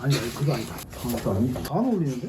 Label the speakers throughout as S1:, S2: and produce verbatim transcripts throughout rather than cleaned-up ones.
S1: 아니 아니 그거 아니다. 그거 아니다. 안 어울리는데?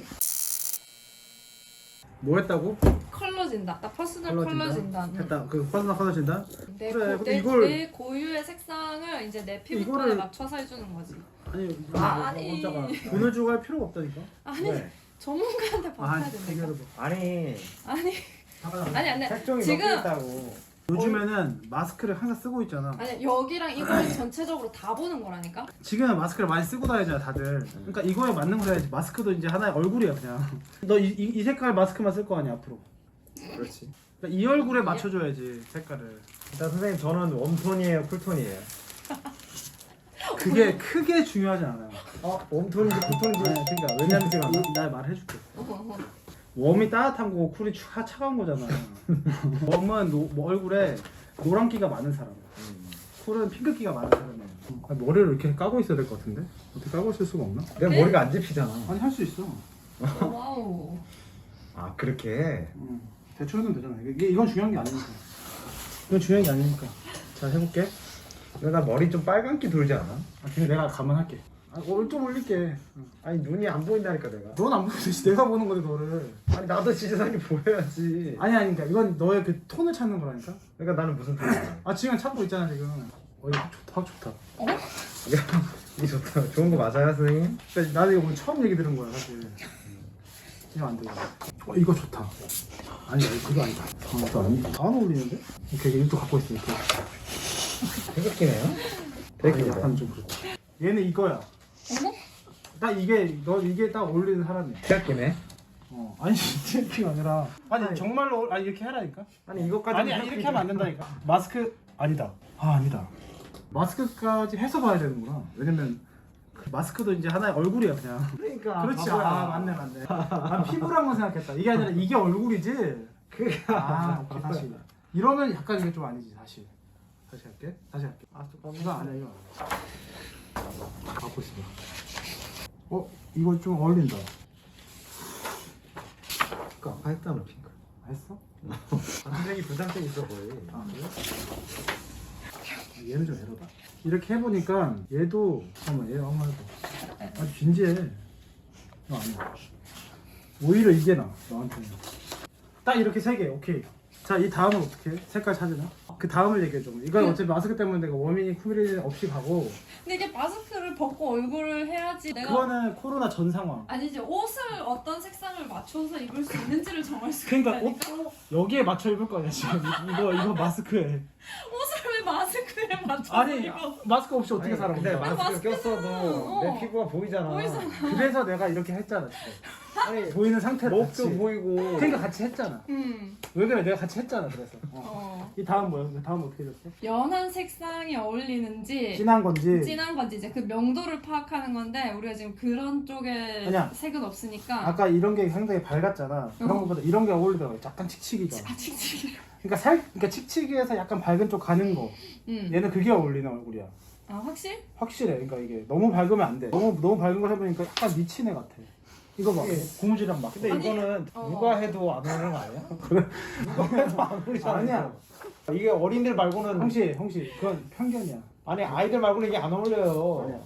S1: 뭐 했다고?
S2: 컬러 진단. 나 퍼스널
S1: 컬러
S2: 컬러
S1: 진단?
S2: 진단.
S1: 했다. 그 퍼스널 컬러 진단?
S2: 내,
S1: 그래,
S2: 고,
S1: 근데
S2: 내,
S1: 이걸-
S2: 내 고유의 색상을 이제 내 피부톤에
S1: 이거를-
S2: 맞춰서 해주는 거지.
S1: 아니
S2: 아,
S1: 뭐,
S2: 아니.
S1: 뭐, 돈을 주고 할 필요가 없다니까.
S2: 아니
S3: 네.
S2: 전문가한테 받아야
S1: 아니
S2: 된다.
S1: 이거를 뭐.
S3: 아니
S2: 아니
S1: 잠깐만.
S2: 아니 아니
S3: 색종이
S2: 지금
S3: 몇 개 있다고.
S1: 요즘에는 마스크를 항상 쓰고 있잖아.
S2: 아니 여기랑 이걸 전체적으로 다 보는 거라니까.
S1: 지금은 마스크를 많이 쓰고 다니잖아 다들. 그러니까 이거에 맞는 거 해야지. 마스크도 이제 하나의 얼굴이야 그냥. 너 이 이 색깔 마스크만 쓸 거 아니야 앞으로.
S3: 그렇지.
S1: 그러니까 이 얼굴에 맞춰줘야지 색깔을.
S3: 일단 선생님 저는 웜톤이에요, 쿨톤이에요.
S1: 그게 크게 중요하지 않아요.
S3: 어? 웜톤인지 쿨톤인지.
S1: 아니, 그러니까
S3: 왜냐면 지금
S1: 이- 나 말해줄게. 웜이 따뜻한 거고 쿨이 차, 차가운 거잖아. 웜은 노, 뭐 얼굴에 노란기가 많은 사람. 쿨은 핑크기가 많은 사람이야. 아, 머리를 이렇게 까고 있어야 될 것 같은데? 어떻게 까고 있을 수가 없나?
S3: 내 머리가 안 집히잖아.
S1: 아니 할 수 있어.
S2: 와우.
S3: 아 그렇게.
S1: 응. 대충 해도 되잖아. 이게 이건 중요한 게 아니니까. 이건 중요한 게 아니니까. 자 해볼게.
S3: 근데 나 머리 좀 빨간기 돌지 않아?
S1: 아, 그냥 내가 감안할게. 아, 어, 좀 올릴게. 응.
S3: 아니 눈이 안 보인다니까 내가.
S1: 넌 안 보듯이 내가 보는 건데 너를.
S3: 아니 나도 시선이 보여야지.
S1: 아니 아니 그러니까 이건 너의 그 톤을 찾는 거라니까.
S3: 그러니까 나는 무슨 톤이야?
S1: 아 지금 찾고 있잖아 지금. 어 이거 좋다 좋다.
S2: 어?
S3: 이게 좋다. 좋은 거 맞아요 선생님?
S1: 그러니까 나도 이거 오늘 처음 얘기 들은 거야 사실. 이거 안 되고. 어 이거 좋다. 아니 아니 그거 아니다. 그거 아니다. 안 어울리는데? 오케이 이것도 갖고 있어 이렇게.
S3: 태극기네요?
S1: 아,
S3: 태극기
S1: 약간 좀 그렇다. 얘는 이거야.
S2: 어머?
S1: 딱 이게 너 이게 딱 어울리는 사람이야.
S3: 태극기네?
S1: 어 아니 트래핑 아니라 아니,
S3: 아니.
S1: 정말로 아니 이렇게 하라니까.
S3: 아니 이것까지
S1: 아니 아니 이렇게 하면 안 된다니까. 마스크 아니다. 아 아니다. 마스크까지 해서 봐야 되는구나. 왜냐면 그 마스크도 이제 하나의 얼굴이야 그냥.
S3: 그러니까
S1: 그렇지.
S3: 바보야.
S1: 아 맞네 맞네. 난 피부랑만 생각했다. 이게 아니라 이게 얼굴이지.
S3: 그게
S1: 아 오케이 다시. 이러면 약간 이게 좀 아니지 다시. 다시 할게. 다시 할게. 아 잠깐만. 이거 아니야 이거 아니야. 갖고 있어. 어 이거 좀 어울린다.
S3: 그 아까 했잖아 핑크.
S1: 했어?
S3: 반짝이 분장점 있어 거의.
S1: 아 그래? 얘는 좀 에러다. 이렇게 해보니까 얘도 잠깐만 얘 한번 해봐. 아주 진지해. 이거 아니야. 오히려 이게 나 너한테는. 딱 이렇게 세 개. 오케이. 자 이 다음은 어떻게 해? 색깔 찾으나? 그 다음을 얘기해 줘. 이건 어차피 마스크 때문에 내가 워밍이 쿠밀이 없이 가고.
S2: 근데 이게 마스크를 벗고 얼굴을 해야지 내가
S1: 그거는 코로나 전 상황.
S2: 아니지 옷을 어떤 색상을 맞춰서 입을 수 있는지를 정할 수가
S1: 그러니까
S2: 있다니까.
S1: 옷도 여기에 맞춰 입을 거 아니야 지금. 이거 이거 마스크에.
S2: 옷을 왜 마스크에 맞춰서
S1: 아니
S2: 입어?
S1: 마스크 없이 어떻게
S3: 아니,
S1: 살아?
S3: 근데
S1: 우리가?
S3: 마스크
S2: 마스크는-
S3: 꼈어도
S2: 어.
S3: 내 피부가 보이잖아.
S2: 보이잖아.
S1: 그래서 내가 이렇게 했잖아 지금.
S3: 아니
S1: 보이는 상태로
S3: 목도
S1: 같이.
S3: 보이고.
S1: 그러니까 같이 했잖아.
S2: 음.
S1: 왜 그래? 내가 같이 했잖아. 그래서. 어.
S2: 어.
S1: 이 다음 뭐야? 그 다음 어떻게 됐어?
S2: 연한 색상이 어울리는지
S1: 진한 건지.
S2: 진한 건지 이제 그 명도를 파악하는 건데 우리가 지금 그런 쪽에
S1: 아니야.
S2: 색은 없으니까.
S1: 아까 이런 게 상당히 밝았잖아. 그런
S2: 어.
S1: 것보다 이런 게 어울리더라고. 약간 칙칙이가.
S2: 아 칙칙이.
S1: 그러니까 살, 그러니까 칙칙이에서 약간 밝은 쪽 가는 거.
S2: 음.
S1: 얘는 그게 어울리는 얼굴이야.
S2: 아 확실?
S1: 확실해. 그러니까 이게 너무 밝으면 안 돼. 너무 너무 밝은 걸 해보니까 약간 미친 애 같아. 이거 봐.
S3: 이게-
S1: 고무줄이랑 막.
S3: 근데
S2: 아니,
S3: 이거는
S2: 어.
S3: 누가 해도 안 어울리는 거 아니야?
S1: 그래?
S3: 누가 해도 안 어울리잖아.
S1: 아니야.
S3: 이게 어린들 말고는
S1: 형씨, 형씨, 그건 편견이야.
S3: 아니 아이들 말고는 이게 안 어울려요.
S1: 아니야.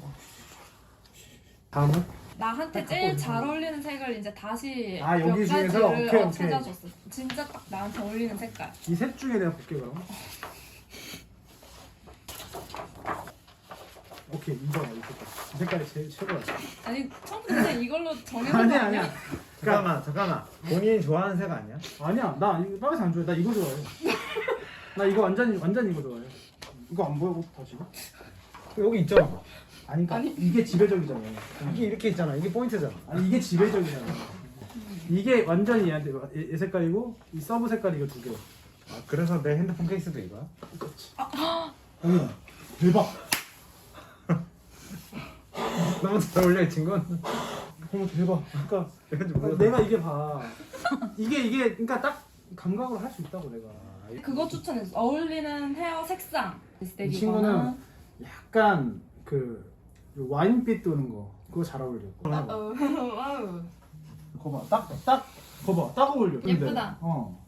S1: 다음은?
S2: 나한테 제일 잘 어울리는 색을 이제 다시
S1: 아, 여기
S2: 몇
S1: 중에서?
S2: 가지를
S1: 오케이,
S2: 어,
S1: 오케이.
S2: 찾아줬어. 진짜 딱 나한테 어울리는 색깔.
S1: 이 셋 중에 내가 볼게 그럼. 오케이 이거 이 색깔. 이 색깔이 제일 최고야.
S2: 아니 처음부터 이걸로 정해놓은 거
S1: 아니야
S2: 아니야?
S1: 아니야.
S3: 잠깐만 잠깐만. 본인이 좋아하는 색 아니야?
S1: 아니야 나 이거 빨간색 안 좋아해. 나 이거 좋아해. 나 이거 완전 완전 이거 좋아해. 이거 안 보여 다시?
S3: 여기 있잖아.
S1: 아니 그러니까
S2: 아니.
S1: 이게 지배적이잖아.
S3: 이게 이렇게 있잖아. 이게 포인트잖아.
S1: 아니 이게 지배적이잖아. 이게 완전히 얘한테 얘, 얘 색깔이고 이 서브 색깔이 이거 두 개.
S3: 아, 그래서 내 핸드폰 케이스도 이거야?
S1: 그렇지. 어머 대박.
S3: 너무 잘 어울려 이 친구는.
S1: 어머 대박. 그러니까
S3: 그래가지고 몰라.
S1: 내가 이게 봐. 이게 이게 그러니까 딱 감각으로 할 수 있다고 내가.
S2: 그거 추천했어. 어울리는 헤어 색상.
S1: 이 친구는 약간 그 와인빛 도는 거 그거 잘 어울려.
S2: 아, 어, 와우.
S1: 거봐 딱딱 거봐 딱 어울려. 근데,
S2: 예쁘다.
S1: 어.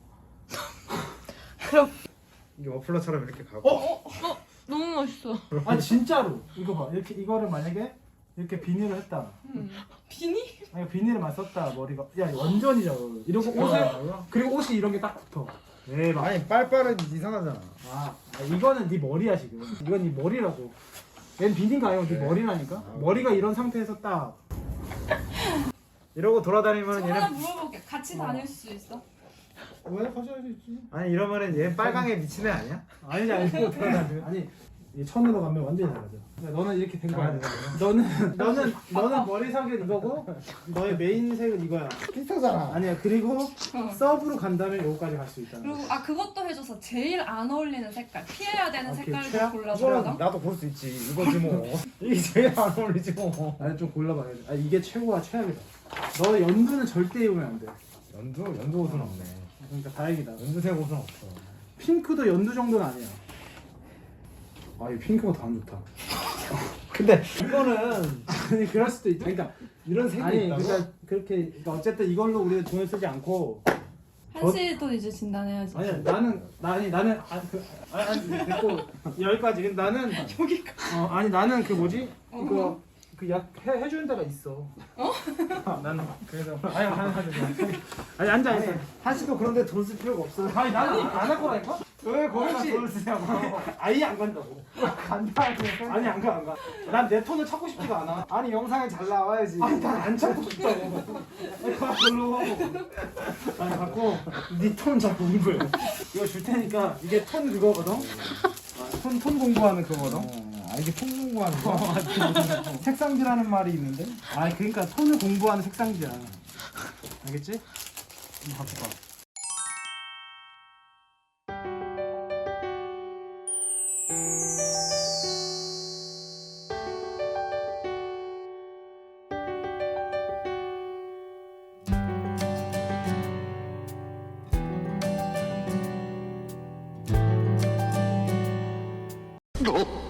S3: 이게 머플러처럼 이렇게 가고.
S1: 어?
S2: 너무 멋있어.
S1: 아니 진짜로 이거 봐 이렇게 이거를 만약에 이렇게 비닐을 했다.
S2: 음. 비니?
S1: 아니 비닐만 썼다 머리가. 야 완전이죠. 이러고 옷을 그리고 옷이 이런 게 딱 붙어. 네, 막.
S3: 아니 빨빨은 이상하잖아.
S1: 아, 아, 이거는 네 머리야 지금. 이건 네 머리라고. 얜 비닐가 아니고 네
S3: 그래?
S1: 머리라니까.
S3: 아,
S1: 머리가 이런 상태에서 딱.
S3: 이러고 돌아다니면
S2: 하나
S3: 얘는
S2: 물어볼게. 같이 다닐 수 있어?
S1: 왜 가져야 되지?
S3: 아니 이러면은 얘 빨강에 미친 애 아니야?
S1: 아니지 아니고 돌아다니. 아니 이 천으로 가면 완전히 달라져. 야, 너는 이렇게 된 거야.
S3: 아, 네.
S1: 너는 너는 너는 머리색은 이거고 너의 메인 색은 이거야.
S3: 비슷하잖아.
S1: 아니야 그리고
S2: 어.
S1: 서브로 간다면 요거까지 갈 수 있다는
S2: 그리고
S1: 거야.
S2: 아 그것도 해줘서 제일 안 어울리는 색깔 피해야 되는
S1: 오케이,
S2: 색깔도
S1: 최악?
S2: 골라서
S3: 이거는
S2: 가
S3: 나도 볼 수 있지. 이거지 뭐. 이게 제일 안 어울리지 뭐.
S1: 아니 좀 골라봐야 돼. 아 이게 최고와 최악이다. 너 연두는 절대 입으면 안 돼.
S3: 연두 연두 옷은 없네.
S1: 그러니까 다행이다.
S3: 연두색 옷은 없어.
S1: 핑크도 연두 정도는 아니야. 아, 이 핑크가 더 안 좋다.
S3: 근데 이거는
S1: 아니, 그럴 수도 있다. 그러니까
S3: 이런 색이
S1: 아니,
S3: 있다고?
S1: 그러니까 그렇게 그러니까 어쨌든 이걸로 우리가 돈을 쓰지 않고
S2: 한시도 이제 진단해야지.
S1: 아니 나는 나 아니 나는 아, 그, 아니, 아니 됐고 여기까지. 근데 나는
S2: 여기가
S1: 어 아니 나는 그 뭐지
S2: 어.
S1: 이거 그 약 해 해주는 데가 있어. 어? 나는 그래서 아니 아니 아니 아니 앉아
S3: 아니
S1: 있어.
S3: 한시도 그런데 돈 쓸 필요가 없어.
S1: 아니 나는 안 할 거라니까.
S3: 왜 거기다
S1: 혹시-
S3: 돈을 쓰냐고.
S1: 아예 안 간다고.
S3: 간다.
S1: 아니 안 가 안 가. 난 내 톤을 찾고 싶지가 않아.
S3: 아니 영상에 잘 나와야지.
S1: 아니 난 안 찾고 싶다고. 아니 가 별로. 아니 갖고 네 톤 자꾸 공부해. 이거 줄 테니까 이게 톤 그거거든. 톤 톤 공부하는 그거거든.
S3: 아 이게 통 공부하는
S1: 어,
S3: 거야?
S1: 맞지. 색상지라는 말이 있는데. 아 그러니까 톤을 공부하는 색상지야. 알겠지? 한번 갖고 봐.
S4: 어?